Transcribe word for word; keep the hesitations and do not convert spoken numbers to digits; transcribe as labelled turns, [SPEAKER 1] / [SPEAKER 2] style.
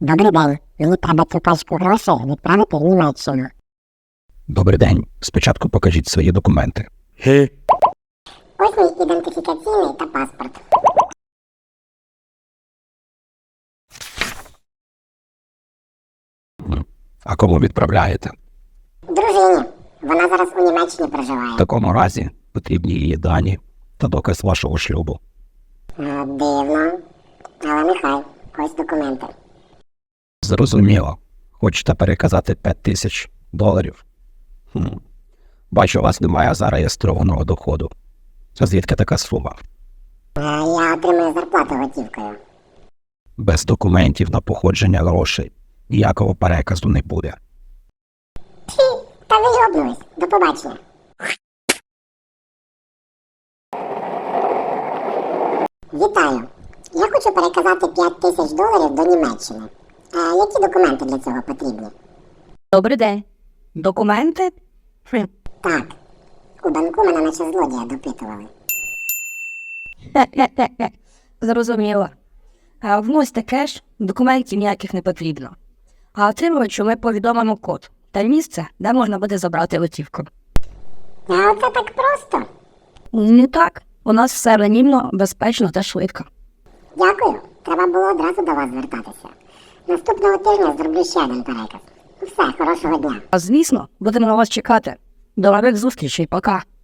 [SPEAKER 1] Добрий день. Мені треба цю пачку грошей відправити в Німеччину.
[SPEAKER 2] Добрий день. Спочатку покажіть свої документи.
[SPEAKER 1] Ось мій ідентифікаційний та паспорт.
[SPEAKER 2] А кому відправляєте?
[SPEAKER 1] Дружині. Вона зараз у Німеччині проживає.
[SPEAKER 2] В такому разі потрібні її дані та доказ вашого шлюбу.
[SPEAKER 1] Е, Дивно. Але нехай. Ось документи.
[SPEAKER 2] Зрозуміло. Хочете переказати п'ять тисяч доларів? Хм. Бачу, у вас немає зареєстрованого доходу. А звідки така сума?
[SPEAKER 1] Е, Я отримую зарплату готівкою.
[SPEAKER 2] Без документів на походження грошей ніякого переказу не буде.
[SPEAKER 1] Хі, та ви йобнулись. До побачення. Вітаю. Я хочу переказати п'ять тисяч доларів до Німеччини. Е, які документи для цього потрібні?
[SPEAKER 3] Добрий день. Документи? Хм.
[SPEAKER 1] Так. У банку мене наче злодія допитували.
[SPEAKER 3] Хе-хе-хе. Зрозуміло. А вносьте кеш, документів ніяких не потрібно. А отримувачу ми повідомимо код та місце, де можна буде забрати готівку.
[SPEAKER 1] А оце так просто.
[SPEAKER 3] Не так. У нас все анонімно, безпечно та швидко.
[SPEAKER 1] Дякую. Треба було одразу до вас звертатися. Наступного тижня зроблю ще один переказ. Все, хорошого дня.
[SPEAKER 3] А звісно, будемо на вас чекати. До нових зустрічей, пока.